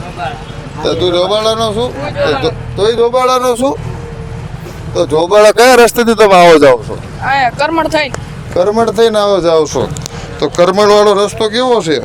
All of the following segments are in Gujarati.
તો તું જોબાળાનો શું? તોય જોબાળાનો શું? તો જોબાળા કયા રસ્તેથી તમે આવો જાવ છો? કરમણ થઈ કરમણ થઈને આવો જાવ છો. તો કરમણ વાળો રસ્તો કેવો છે?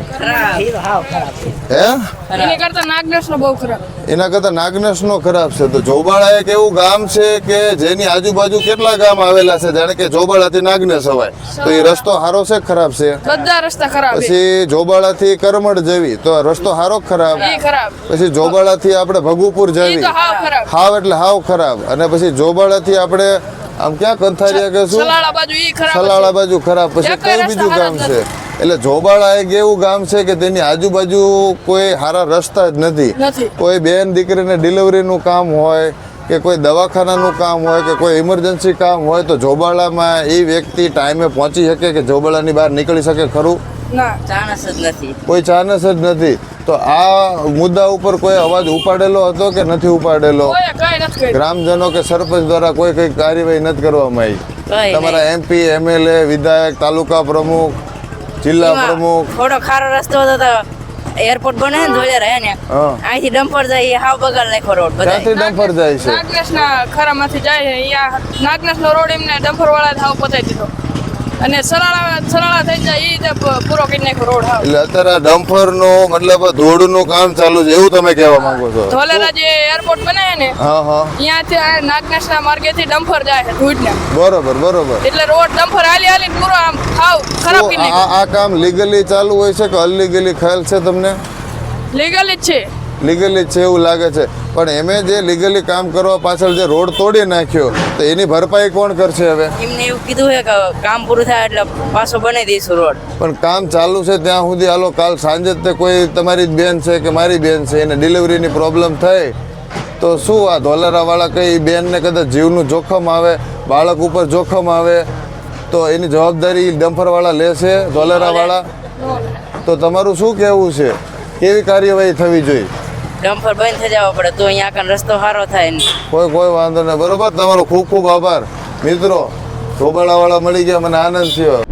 હે? એની કરતા નાગનેશ નો બહુ ખરાબ. એના કરતા નાગનેશ નો ખરાબ છે. તો જોબાળા એક એવું ગામ છે કે જેની આજુબાજુ કેટલા ગામ આવેલા છે, જાણે કે જોબાળાથી નાગનેશ અવાય. તો એ રસ્તો સારો છે ખરાબ છે? બધા રસ્તા ખરાબ. પછી જોબાળાથી કરમણ જવી તો રસ્તો સારો ખરાબ. પછી જોબાળાથી આપણે ભગુપુર જવી હાવ એટલે હાવ ખરાબ. અને પછી જોબાળાથી આપણે આમ ક્યાં કંથારિયા કે શું સલાળા બાજુ ખરાબ. પછી કયું બીજું ગામ છે? એટલે જોબાળા એક એવું ગામ છે કે તેની આજુબાજુ કોઈ સારા રસ્તા જ નથી. કોઈ બેન દીકરીને ડિલિવરીનું કામ હોય કે કોઈ દવાખાનાનું કામ હોય કે કોઈ ઇમરજન્સી કામ હોય તો જોબાળામાં એ વ્યક્તિ ટાઈમે પહોંચી શકે કે જોબાળાની બહાર નીકળી શકે ખરું? કોઈ ચાન્સ જ નથી. તો આ મુદ્દા ઉપર કોઈ અવાજ ઉપાડેલો હતો કે નથી ઉપાડેલો? ગ્રામજનો કે સરપંચ દ્વારા કોઈ કઈ કાર્યવાહી નથી કરવામાં આવી? તમારા MP MLA વિધાયક તાલુકા પ્રમુખ જિલ્લા પ્રમુખ થોડો ખારો રસ્તો હતો તો એરપોર્ટ બને ને ધોળિયા રહે ને અહીંથી ડમ્પર જાય હાવ બગાડ નાખ્યો રોડ. ક્યાંથી ડમ્પર જાય છે? નાગનેશ ના ખરામાંથી જાય છે. અહીંયા નાગનેશ નો રોડ એમને ડમ્પર વાળા હાવ પતાવી દીધો અને સરાળા થઈ જાય એ પૂરો કરી નાખ્યો રોડ હાવ. એટલે અત્યારે ડમ્પર નું મતલબ ધૂળનું કામ ચાલુ છે એવું તમે કહેવા માંગો છો? ધોલેરા જે એરપોર્ટ બને છે ને ત્યાંથી નાગનેશ ના માર્ગેથી ડમ્પર જાય છે ધૂળને. બરોબર બરોબર. એટલે રોડ ડમ્પર હાલી પૂરો આમ હાવ ખરાબ કરી નાખ્યો. આ કામ લીગલી ચાલુ હોય છે કે અનલીગલી ખ્યાલ છે તમને? લીગલી જ છે. લીગલી છે એવું લાગે છે. પણ એમે જે લીગલી કામ કરવા પાછળ જે રોડ તોડી નાખ્યો તો એની ભરપાઈ કોણ કરશે હવે? એમને એવું કીધું છે કે કામ પૂરું થાય એટલે પાછો બનાવી દઈશું રોડ. પણ કામ ચાલુ છે ત્યાં સુધી હાલો કાલ સાંજે તે કોઈ તમારી જ બેન છે કે મારી બેન છે એને ડિલિવરીની પ્રોબ્લેમ થઈ તો શું આ ધોલેરાવાળા કઈ બેનને કદાચ જીવનું જોખમ આવે, બાળક ઉપર જોખમ આવે તો એની જવાબદારી ડમ્પરવાળા લેશે ધોલેરાવાળા? તો તમારું શું કહેવું છે? કેવી કાર્યવાહી થવી જોઈએ? ડમ્પર બંધ થઈ જવા પડે તો અહીંયા આગળ રસ્તો સારો થાય ને. કોઈ વાંધો નહીં. બરોબર. તમારો ખૂબ ખૂબ આભાર મિત્રો. જોબાળાવાળા મળી ગયા, મને આનંદ થયો.